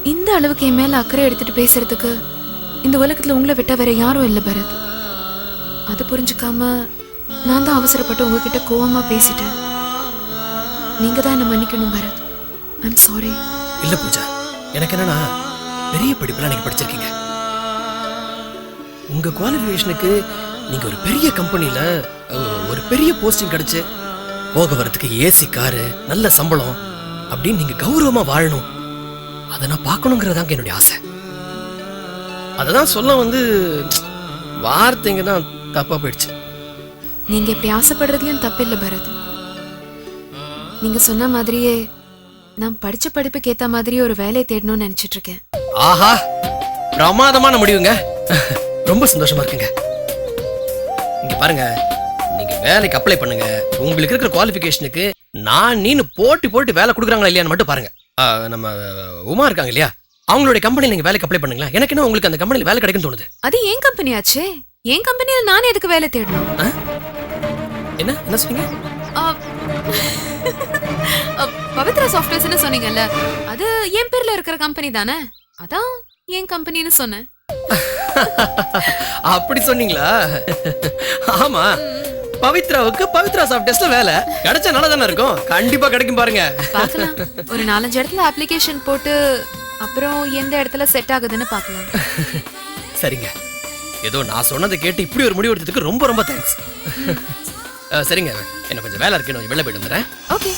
இந்த அளவுக்கு என் மேல அக்கறை எடுத்துட்டு பேசுறதுக்கு இந்த உலகத்துல உங்களை விட்டா வேற யாரும் இல்ல பரத். அது புரிஞ்சுக்காம நான் தான் அவசரப்பட்டு உங்ககிட்ட கோவமா பேசிட்டேன். நீங்க தான் என்ன மன்னிக்கணும் பரத். I'm sorry. இல்ல பூஜா, எனக்கு என்னன்னா பெரிய படிப்புலாம் நீங்க படிச்சிருக்கீங்க. உங்க குவாலிஃபிகேஷனுக்கு நீங்க ஒரு பெரிய கம்பெனில ஒரு பெரிய போஸ்டிங் கிடைச்சு போக வரதுக்கு ஏசி காரு, நல்ல சம்பளம் அப்படின்னு நீங்க கௌரவமா வாழணும். அதை நான் பார்க்கணுங்கிறதாங்க என்னுடைய ஆசை. அததான் சொல்ல வார்த்தைங்க தான் தப்பா போயிடுச்சு. நீங்க இப்படி ஆசைப்படுறதுலயும் தப்பில்லை பரத். நீங்க சொன்ன மாதிரியே நான் படிச்ச படிப்புக்கு ஏத்த மாதிரி ஒரு வேலையை தேடணும்னு நினைச்சிட்டு இருக்கேன். ஆஹா, பிரமாதமான முடிவுங்க. ரொம்ப சந்தோஷமா இருக்குங்க. இங்க பாருங்க, நீங்க வேலைக்கு அப்ளை பண்ணுங்க. உங்களுக்கு இருக்கிற குவாலிஃபிகேஷனுக்கு நீனு போட்டி வேலை கொடுக்குறாங்களா இல்லையான்னு மட்டும் பாருங்க. நம்ம உமா இருக்காங்க இல்லையா, அவங்களுடைய கம்பெனியில் நீங்க வேலைக்கு அப்ளை பண்ணுங்களா. எனக்கு என்ன உங்களுக்கு அந்த கம்பெனியில் வேலை கிடைக்கும்னு தோணுது. அது ஏன் கம்பெனி ஆச்சே. என் கம்பெனியில நானே எதுக்கு வேலை தேடணும்? என்ன சொன்னீங்க? பவித்ரா சாஃப்ட்வேர்ஸ்னு சொன்னீங்கல்ல, அது என் பேர்ல இருக்கிற கம்பெனி தானே, அதான் என் கம்பெனின்னு சொன்னேன். அப்படி சொன்னீங்களா? ஆமா, பவித்ராவுக்கு பவித்ரா சாஃப்ட்வேர்ஸ்ல வேலை கிடைச்சா நல்லா தானே இருக்கும். கண்டிப்பா கிடைக்கும் பாருங்க. பார்க்கலாம். ஒரு 4-5 இடத்துல அப்ளிகேஷன் போட்டு அப்புறம் எந்த இடத்துல செட் ஆகுதுன்னு பார்க்கலாம். சரிங்க, ஏதோ நான் சொன்னதை கேட்டு இப்படி ஒரு முடிவு எடுத்ததுக்கு ரொம்ப ரொம்ப தேங்க்ஸ். சரிங்க, என்ன கொஞ்சம் வேலை இருக்கு, நான் வெளில போயிட்டு வந்துடுறேன். ஓகே.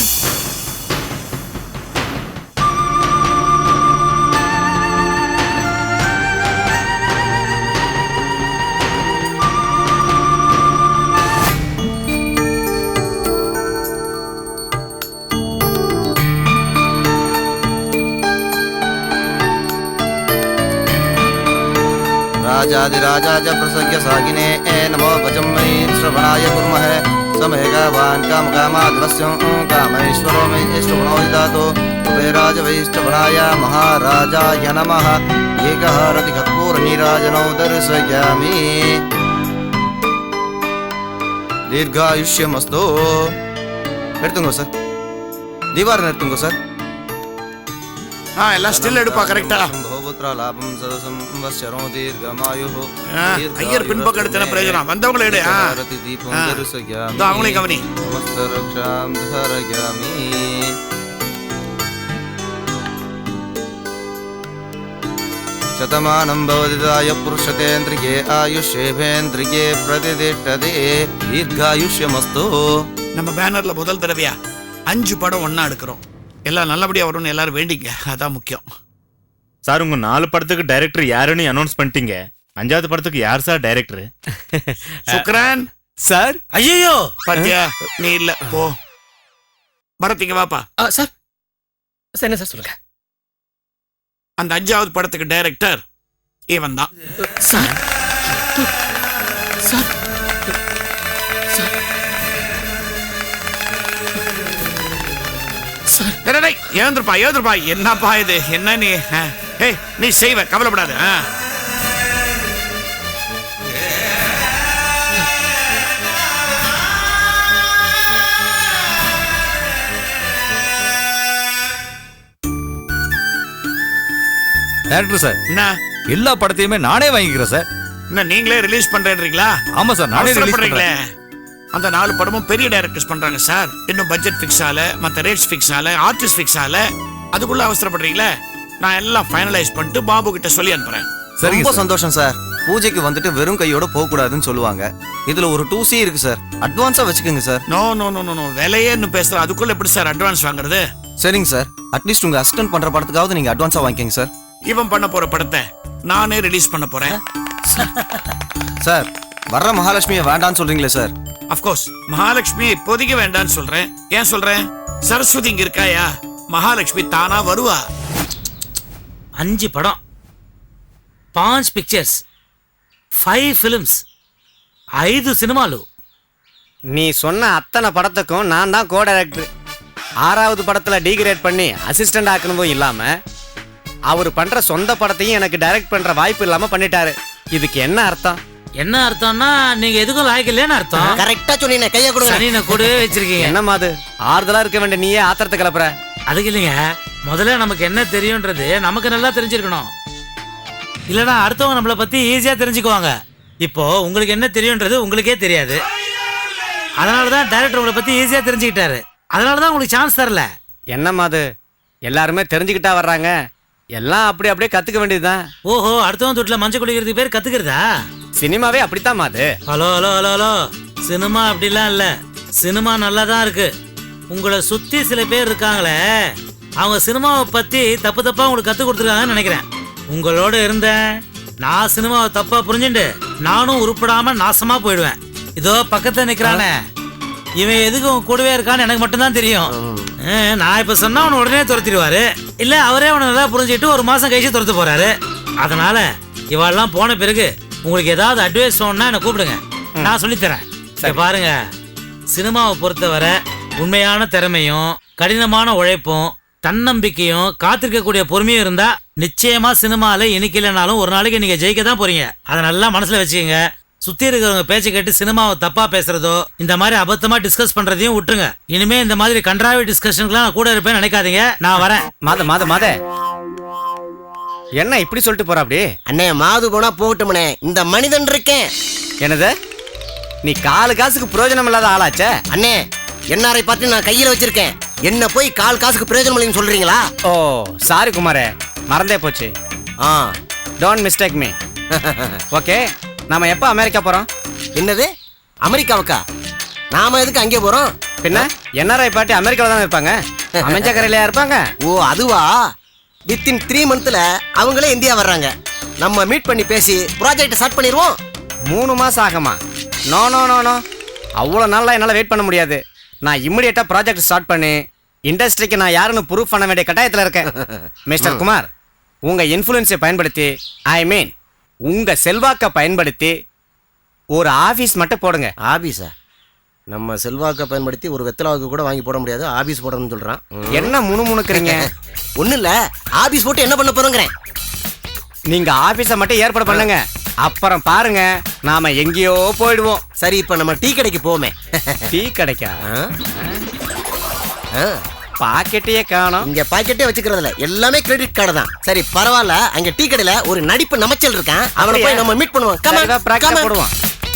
राजाधिराजाज प्रसज्ञ सागिने नमो वजम्मै श्रवणाय कुर्मः समेघवान् कामकामाद्वस्यं कामेश्वरो मे श्रवणो ददातु कुबेराज वैष्णवनाय महाराजाय नमः एकः रतिकर्पूरनीराजनौ दर्शयामि दीर्घायुष्यमस्तु எடுத்துங்க சார் தீவாரம் எடுத்துங்க சார் எல்லாம் ஸ்டில் எடுப்பா கரெக்டா லாபம் சதசம் வஸ்யரோ தீர்க்கமாயுஹு ஐயர் பின்பக்கம் எடுத்தன பிரயோஜனம் வந்தவங்கள எடு ரதி தீபம் தரிசயாமி தோ அவங்களே கவனி நமஸ்த ரக்ஷாம் தரயாமி சதமானம் பவதிதாய புருஷதேந்திரியே ஆயுஷேபேந்திரியே பிரதிதிஷ்டதே தீர்காயுஷ்யமஸ்து. நம்ம பேனர்ல முதல் தடவையா 5 படம் ஒண்ணா எடுக்கிறோம். எல்லாம் நல்லபடியா வரும்னு எல்லாரும் வேண்டிங்க, அதான் முக்கியம். சார், உங்க 4 படத்துக்கு டைரக்டர் யாருன்னு அனௌன்ஸ் பண்ணிட்டீங்க. 5வது படத்துக்கு யார் சார் டைரக்டர்? சுக்ரான் சார். ஐயோ பாத்தியா, நீ இல்ல போ. பரத்திங்க வாப்பா. சார் என்ன சார் சொல்லுங்க. அந்த 5வது படத்துக்கு டைரக்டர் இவன் தான். சார் சார் ஏந்திருப்பா என்னப்பா இது, என்ன நீ செய்வ, கவலைப்படாத. டைரக்டர் சார், என்ன எல்லா படத்தையுமே நானே வாங்கிக்கிறேன் சார். என்ன நீங்களே ரிலீஸ் பண்றீங்களா? ஆமா சார், நானே ரிலீஸ் பண்றேன். அந்த 4 படமும் பெரிய டைரக்டர்ஸ் பண்றாங்க சார். இன்னும் பட்ஜெட் ஃபிக்ஸ் ஆல, மத்த ரேட்ஸ் ஃபிக்ஸ் ஆல, ஆர்டிஸ்ட் ஃபிக்ஸ் ஆல, அதுக்குள்ள அவசரப்படுறீங்களே. நான் எல்லாம் ஃபைனலைஸ் பண்ணிட்டு பாபு கிட்ட சொல்லி அனுப்புறேன். ரொம்ப சந்தோஷம் சார். பூஜைக்கு வந்துட்டு வெறும் கையோட போக கூடாதுன்னு சொல்லுவாங்க. இதுல ஒரு 2C இருக்கு சார், அட்வான்ஸா வச்சுக்கோங்க sir. No no no no, விலையே பேசுற, அதுக்குள்ள எப்படி சார் அட்வான்ஸ் வாங்குறது? சரிங்க சார், அட்லீஸ்ட் உங்க அசிஸ்டன்ட் பண்ற படத்துக்காவது நீங்க அட்வான்ஸா வாங்கிக்கங்க சார். இவன் பண்ண போற படத்தை நானே ரிலீஸ் பண்ண போறேன் சார். வர்ற மகாலட்சுமியை வேண்டான்னு சொல்றீங்களே சார்? அஃப்கோர்ஸ், மகாலட்சுமி இப்போதைக்கு வேண்டான்னு சொல்றேன். ஏன் சொல்றேன்? சரஸ்வதி இங்க இருக்காயா, மகாலட்சுமி தானா வருவா. 5 படம், 5 பிக்சர்ஸ், 5 ஃபிலிம்ஸ், 5 சினிமாலு. நீ சொன்ன அத்தனை படத்துக்கும் நான் தான் கோ டைரக்டர். 6வது படத்துல டீகிரேட் பண்ணி அசிஸ்டன்ட் ஆக்கணும் இல்லாம அவர் பண்ற சொந்த படத்தையும் எனக்கு டைரக்ட் பண்ற வாய்ப்பு இல்லாம பண்ணிட்டாரு. இதுக்கு என்ன அர்த்தம்? என்ன அர்த்தம்னா நீங்க எதுக்கும் லாய்க்கலன்னு அர்த்தம். கரெக்டா சொன்னீங்க. கைய கொடுங்க. சனினை கூட வச்சிருக்கீங்க. என்னம்மா அது, ஆறுதலா இருக்க வேண்டிய நீயே ஆத்திரத்தை கிளப்புற. அதுக்கு இல்லைங்க, முதல்ல நமக்கு என்ன தெரியும்ன்றது நமக்கு நல்லா தெரிஞ்சிருக்கணும். இல்லைன்னா அடுத்தவங்க நம்மளை பத்தி ஈஸியா தெரிஞ்சுக்குவாங்க. இப்போ உங்களுக்கு என்ன தெரியும்ன்றது உங்களுக்கே தெரியாது. அதனாலதான் டைரக்டர் உங்களை பத்தி ஈஸியா தெரிஞ்சுக்கிட்டாரு. அதனாலதான் உங்களுக்கு சான்ஸ் தரல. என்னம்மா அது எல்லாருமே தெரிஞ்சுக்கிட்டா வர்றாங்க, எல்லாம் அப்படியே கத்துக்க வேண்டியதுதான். ஓஹோ, அடுத்தவன் தொட்டில மஞ்சள் குடிக்கிறதுக்கு பேர் கத்துக்கிறதா? சினிமாவே அப்படித்தாம்மா அது. Hello hello hello hello, cinema அப்படிலாம் இல்ல. சினிமா நல்லா தான் இருக்கு. உங்களை சுத்தி சில பேர் இருக்காங்களே, அவங்க சினிமாவை பத்தி தப்பு தப்பா உங்களுக்கு கத்து கொடுத்துருக்காங்கன்னு நினைக்கிறேன். உங்களோட இருந்தேன் நான் சினிமாவை தப்பா புரிஞ்சுட்டு நானும் உருப்படாம நாசமா போயிடுவேன். இதோ பக்கத்துல நிக்கிறானே, இவன் எதுக்கு உங்க கூடவே இருக்கான்னு எனக்கு மட்டும்தான் தெரியும். நான் இப்ப சொன்னா அவனை உடனே துரத்திடுவாரு, இல்ல அவரே அவனை நல்லா புரிஞ்சுட்டு ஒரு மாசம் கழிச்சு துரத்து போறாரு. அதனால இவெல்லாம் போன பிறகு உங்களுக்கு ஏதாவது அட்வைஸ் வேணும்னா என்ன கூப்பிடுங்க, நான் சொல்லித்தரேன். சரி பாருங்க, சினிமாவை பொறுத்தவரை உண்மையான திறமையும் கடினமான உழைப்பும் தன்னம்பிக்கையும் காத்திருக்கக்கூடிய பொறுமையும் இருந்தா நிச்சயமா சினிமால இன்னைக்கு இல்லைனாலும் ஒரு நாளைக்கு நீங்க ஜெயிக்க தான் போறீங்க. அதை நல்லா மனசுல வச்சுக்கோங்க. சுத்தி இருக்கிறவங்க பேச்சை கேட்டு சினிமாவை தப்பா பேசுறதோ இந்த மாதிரி அபத்தமா டிஸ்கஸ் பண்றதையும் விட்டுருங்க. இனிமே இந்த மாதிரி கன்றாவி டிஸ்கஷன்லாம் நான் கூட இருப்பேன்னு நினைக்காதீங்க. நான் வரேன். மாத என்ன இப்படி சொல்லிட்டு போற? அப்படி அண்ணே, மாது போனா போகட்டும்னே, இந்த மனிதன் இருக்கேன். என்னது, நீ காலு காசுக்கு பிரயோஜனம் இல்லாத ஆளாச்சே? அண்ணே, என்ஆர்ஐ பார்த்து நான் கையில வச்சிருக்கேன், என்ன போய் கால் காசுக்கு பிரயோஜனம் இல்லைன்னு சொல்றீங்களா? ஓ சாரி குமாரே, மறந்தே போச்சு. Don't mistake me. ஓகே, நாம எப்போ அமெரிக்கா போறோம்? என்னது, அமெரிக்காவுக்கா? நாம எதுக்கு அங்கே போறோம்? பின்ன என்ஆர்ஐ பார்ட்டி அமெரிக்காவில் தானே இருப்பாங்க, அமைஞ்ச கரையிலையா இருப்பாங்க? ஓ அதுவா? வித்தின் 3 monthsல அவங்களே இந்தியா வர்றாங்க. நம்ம மீட் பண்ணி பேசி ப்ராஜெக்ட் ஸ்டார்ட் பண்ணிடுவோம். 3 மாசம் ஆகுமா? நோ நோ நோ நோ, அவ்வளோ நாளாக என்னால் வெயிட் பண்ண முடியாது. நான் இம்மிடியேட்டாக ப்ராஜெக்ட் ஸ்டார்ட் பண்ணி இண்டஸ்ட்ரிக்கு நான் யாருன்னு ப்ரூஃப் பண்ண வேண்டிய கட்டாயத்தில் இருக்கேன். மிஸ்டர் குமார், உங்கள் இன்ஃப்ளூயன்ஸை பயன்படுத்தி, ஐ மீன் உங்கள் செல்வாக்கை பயன்படுத்தி ஒரு ஆஃபீஸ் மட்டும் போடுங்க. ஆபீஸா? நம்ம செல்வாக்கை பயன்படுத்தி ஒரு வெத்தலாவுக்கு கூட வாங்கி போட முடியாது, ஆபீஸ் போடணும்னு சொல்கிறான். என்ன முணுமுணுக்குறீங்க? ஒன்றும் இல்லை, ஆபீஸ் போட்டு என்ன பண்ண போகிறோங்கிறேன். நீங்கள் ஆஃபீஸை மட்டும் ஏற்பாடு பண்ணுங்க, அப்புறம் பாருங்க நாம எங்கேயோ போயிடுவோம். சரி, இப்போ நம்ம டீ கடைக்கு போவோமே. டீ கடைக்கா? பாக்கெட்டையே காணோம். இங்க பாக்கெட்டே வச்சுக்கிறதுல எல்லாமே கிரெடிட் கார்டு தான். சரி பரவாயில்ல, அங்க டீ கடையில ஒரு நடிப்பு நமச்சல் இருக்கான், அவனை போய் நம்ம மீட் பண்ணுவோம். போடுவோம்.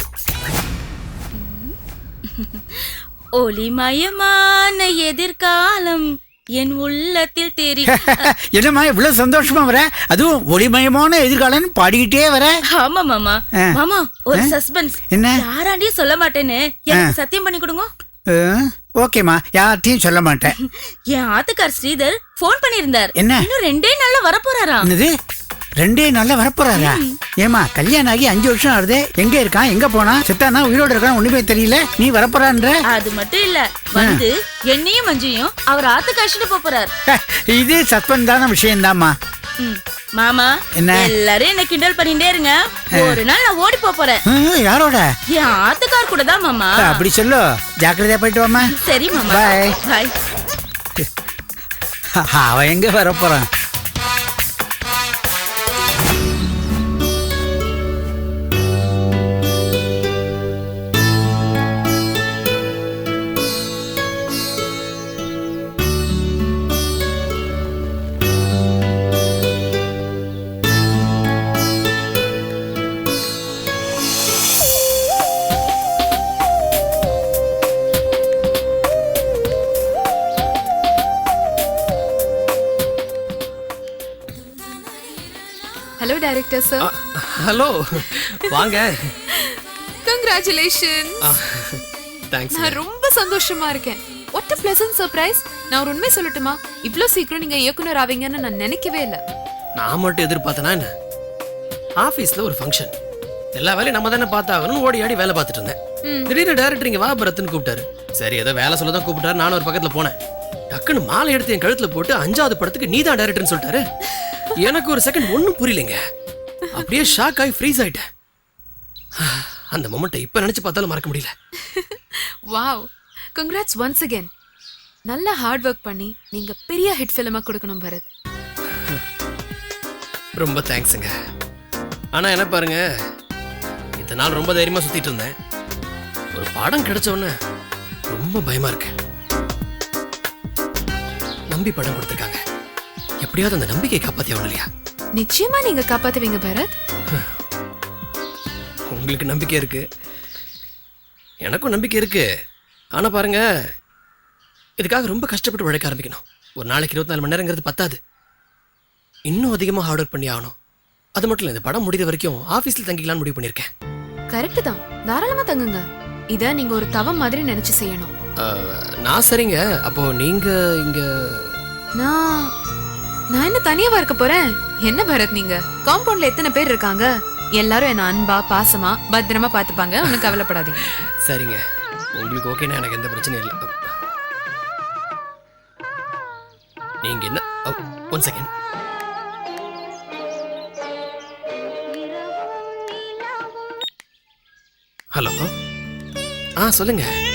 ஒளிமயமான எதிர்காலம் என் உள்ளத்தில் தெரியும். என்னம்மா இவ்வளவு சந்தோஷமா வர, அதுவும் ஒளிமயமான எதிர்காலம் பாடிக்கிட்டே வர? ஆமா மாமா. மாமா ஒரு சஸ்பென்ஸ். என்ன? யாராண்டியும் சொல்ல மாட்டேன்னு எனக்கு சத்தியம் பண்ணி கொடுங்க. ஓகேம்மா, யார்ட்டையும் சொல்ல மாட்டேன். என் ஆத்துக்கார் ஸ்ரீதர் போன் பண்ணியிருந்தார். என்ன? இன்னும் 2 நாள்ல வரப்போறாராம். என்னது, 2 நாள்ல வரப்போறாரா? ஏமா கல்யாணம் ஆகி 5 வருஷம் ஆகுது, எங்க இருக்கான், எங்க போனா, செத்தானா உயிரோட இருக்கான், ஒண்ணுமே தெரியல, நீ வரப்போறான்ற? அது மட்டும் இல்ல, வந்து என்னையும் மஞ்சையும் அவர் ஆத்துக்கு அழைச்சிட்டு போறார். இது சஸ்பென்ஸான விஷயம் தான்மா. மாமா, எல்லாரும் என்ன கிண்டல் பண்ணிட்டே இருங்க, ஒரு நாள் நான் ஓடி போறேன். யாரோட? என் ஆத்துக்கார் கூட தான் மாமா. அப்படி சொல்லு, ஜாக்கிரதையா போயிட்டு வாமா. சரி மாமா, பாய் பாய். அவன் எங்க வரப்போறான்? Hello director sir. ஹலோ, வாங்க. கங்க்ராச்சுலேஷன். தேங்க்ஸ். நான் ரொம்ப சந்தோஷமா இருக்கேன். What a pleasant surprise. நான் ஒரு உண்மை சொல்லட்டுமா, இவ்ளோ சீக்கிரம் நீங்க இயக்குனர் ஆவீங்கன்னு நான் நினைக்கவே இல்லை. நான் மட்டும் எதிர்பார்த்தனா என்ன? ஆஃபீஸில் ஒரு ஃபங்க்ஷன், எல்லா வேலையும் நம்ம தானே பார்த்தாகணும்னு ஓடி ஆடி வேலை பார்த்துட்டு இருந்தேன். திடீர்னு டேரக்டர் இங்கே வா பரத்னு கூப்பிட்டாரு. சரி ஏதோ வேலை சொல்ல தான் கூப்பிட்டாரு, நானும் ஒரு பக்கத்தில் போனேன். டக்குன்னு மாலை எடுத்து என் கழுத்தில் போட்டு 5வது படத்துக்கு நீ தான் டேரக்டர்னு சொல்லிட்டாரு. எனக்கு ஒரு செகண்ட் ஒன்றும் புரியலைங்க, அப்படியே ஷாக் ஆகி ஃப்ரீஸ் ஆயிட்டேன். அந்த மொமெண்ட்டை இப்போ நினச்சி பார்த்தாலும் மறக்க முடியல. Wow, congrats once again. நல்லா ஹார்ட் ஒர்க் பண்ணி நீங்க பெரிய ஹிட் ஃபிலிமா கொடுக்கணும் பரத். ரொம்ப தேங்க்ஸுங்க. ஆனால் என்ன பாருங்க, இத்தனை நாள் ரொம்ப தைரியமாக சுற்றிட்டு இருந்தேன். ஒரு படம் கிடைச்ச உடனே ரொம்ப பயமா இருக்கு. நம்பி படம் கொடுத்துருக்காங்க, எப்படியாவது அந்த நம்பிக்கையை காப்பாத்தி ஆகணும் இல்லையா? நிச்சயமா நீங்க காப்பாத்துவீங்க பரத். உங்களுக்கு நம்பிக்கை இருக்கு, எனக்கும் நம்பிக்கை இருக்கு. ஆனா பாருங்க, இதுக்காக ரொம்ப கஷ்டப்பட்டு உழைக்க ஆரம்பிக்கணும். ஒரு நாளைக்கு 24 மணி நேரங்கிறது பத்தாது. இன்னும் அதிகமாக ஹார்ட் ஒர்க் பண்ணி ஆகணும். அது மட்டும் இல்லை, இந்த படம் முடிகிற வரைக்கும் ஆஃபீஸில் தங்கிக்கலாம்னு முடிவு பண்ணியிருக்கேன். கரெக்ட் தான், தாராளமா தங்குங்க. இத நீங்க ஒரு தவம் மாதிரி நினைச்சு செய்யணும். நான் சரிங்க. அப்போ நீங்க இங்க? நான் என்ன தனியாவா இருக்க போறேன்? என்ன பரத் நீங்க, காம்பவுண்ட்ல எத்தனை பேர் இருக்காங்க? எல்லாரும் என்ன அன்பா பாசமா பத்திரமா பாத்துப்பாங்க, ஒன்னும் கவலைப்படாதீங்க. சரிங்க, உங்களுக்கு ஓகேனா எனக்கு எந்த பிரச்சனையும் இல்லை. நீங்க என்ன, ஒன் செகண்ட். ஹலோ, சொல்லுங்க.